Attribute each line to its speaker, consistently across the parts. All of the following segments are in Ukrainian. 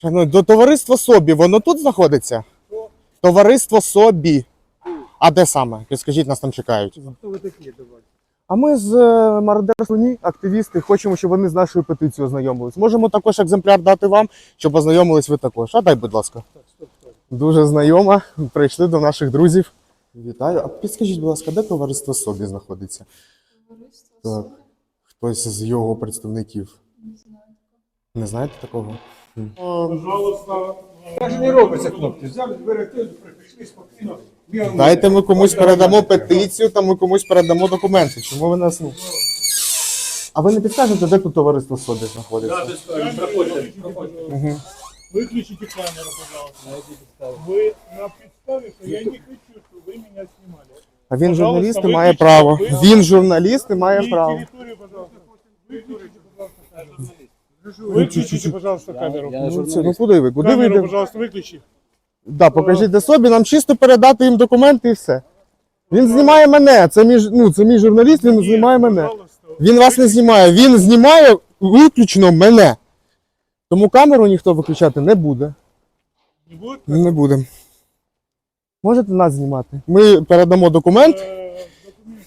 Speaker 1: Ну, до товариства Собі, воно тут знаходиться? Товариство Собі. А де саме? Скажіть, нас там чекають.
Speaker 2: Хто ви такі, давайте?
Speaker 1: А ми з Мародер Слоні, активісти, хочемо, щоб вони з нашою петицією ознайомились. Можемо також екземпляр дати вам, щоб ознайомились ви також. А дай, будь ласка.
Speaker 2: Стоп.
Speaker 1: Дуже знайома. Прийшли до наших друзів. Вітаю. А підскажіть, будь ласка, де товариство Собі знаходиться?
Speaker 3: Товариство
Speaker 1: Так.
Speaker 3: Собі?
Speaker 1: Хтось з його представників.
Speaker 3: Не знаю.
Speaker 1: Не знаєте такого?
Speaker 2: Пожалуйста. Так же не робиться, хлопці. Взяли, берете, прийшли спокійно.
Speaker 1: Дайте ми комусь передамо петицію, та ми комусь передамо документи. Чому ви нас... А ви не підскажете, де тут товариство Собі знаходиться?
Speaker 2: Проходите.
Speaker 1: Угу.
Speaker 4: Выключите камеру, пожалуйста. Вы на представе, что я не хочу, чтобы вы меня снимали.
Speaker 1: А він
Speaker 4: Пожалуйста,
Speaker 1: журналіст і
Speaker 4: виключіть.
Speaker 1: має право.
Speaker 4: Ви-
Speaker 1: Він журналіст і має
Speaker 4: И
Speaker 1: право.
Speaker 4: территорию, пожалуйста. Выключите, пожалуйста, камеру. Выключите, пожалуйста, камеру.
Speaker 1: Ну куди ви? Куди ви
Speaker 4: Камеру,
Speaker 1: йдете?
Speaker 4: пожалуйста, выключи.
Speaker 1: Да, покажіть де Собі, нам чисто передати їм документи і все. Він знімає мене, це мій журналіст, він знімає мене.
Speaker 4: Пожалуйста.
Speaker 1: Він вас не знімає, він знімає виключно мене. Тому камеру ніхто виключати не буде.
Speaker 4: Не будет?
Speaker 1: Не буде. Можете нас знімати? Ми передамо документ.
Speaker 4: Документы.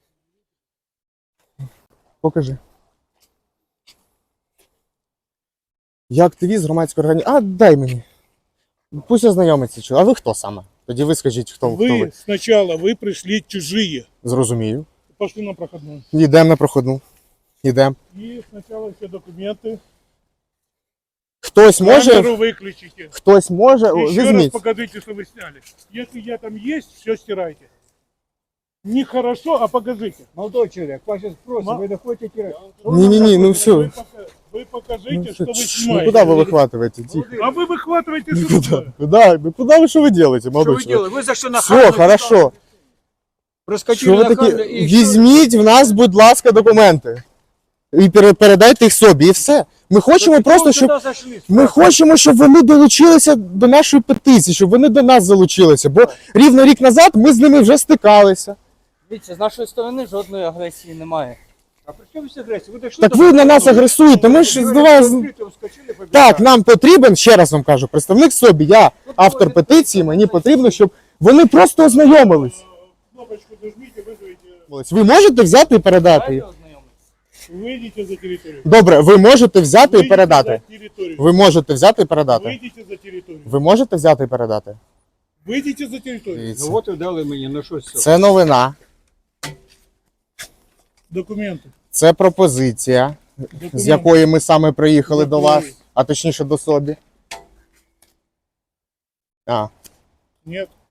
Speaker 1: Покажи. Я активіст громадської організації. А, дай мені. Пусть ознайомиться. А ви хто саме? Тоді ви скажіть, хто ви.
Speaker 4: Вы сначала, вы пришли чужие.
Speaker 1: Зрозумію.
Speaker 4: Пошли на проходную.
Speaker 1: Йдемо на проходну. Йдемо.
Speaker 4: И сначала все документы.
Speaker 1: Хтось може.
Speaker 4: Камеру выключите.
Speaker 1: Хтось може. О,
Speaker 4: Еще раз
Speaker 1: візьміть.
Speaker 4: покажите, что вы сняли. Если я там есть, все стирайте. Нехорошо, а покажите.
Speaker 2: Молодой чоловік, вас зараз просимо, ви не хочете...
Speaker 1: Ні, ну все.
Speaker 4: Вы покажите,
Speaker 1: Ну,
Speaker 4: что вы
Speaker 1: ну
Speaker 4: снимаете.
Speaker 1: куда вы выхватываете? Тихо.
Speaker 4: А вы выхватываете
Speaker 1: Ну,
Speaker 4: что
Speaker 1: куда?
Speaker 4: такое?
Speaker 1: Куда? Ну, куда вы, что вы делаете, молодой
Speaker 2: Що ви
Speaker 1: человек?
Speaker 2: робите? Ви за що на
Speaker 1: Все, хорошо. Що
Speaker 2: Проскочили
Speaker 1: ви
Speaker 2: на камеру
Speaker 1: такі?
Speaker 2: і...
Speaker 1: Візьміть в нас, будь ласка, документи. І передайте їх собі, і все. Ми хочемо просто, щоб... Ми хочемо, щоб вони долучилися до нашої петиції, щоб вони до нас залучилися. Бо рівно рік назад ми з ними вже стикалися.
Speaker 5: Дивіться, з нашої сторони жодної агресії немає.
Speaker 2: А при чому агресія? Ви дійшли
Speaker 1: Так
Speaker 2: до-
Speaker 1: ви на нас агресуєте, ми ж з вас...
Speaker 2: Вскочили, побігли.
Speaker 1: Так, нам потрібен, ще раз вам кажу, представник собі, я автор петиції, мені потрібно, щоб вони просто ознайомились.
Speaker 4: Кнопочку нажмите, вызовите.
Speaker 1: Ви можете взяти і передати їх?
Speaker 5: Давайте ознайомимося.
Speaker 4: Выйдите за территорию.
Speaker 1: Добре, ви можете взяти і
Speaker 4: Выйдите
Speaker 1: передати.
Speaker 4: за территорию.
Speaker 1: Ви можете взяти і передати.
Speaker 4: Выйдите за территорию.
Speaker 1: Ви можете взяти і передати.
Speaker 4: Выйдите за территорию.
Speaker 1: Дивіться.
Speaker 2: Ну от і дали мені, ну щось.
Speaker 1: Це новина,
Speaker 4: Документы.
Speaker 1: це пропозиція, з якої ми саме приїхали до вас, а точніше до собі. А,
Speaker 4: Нет.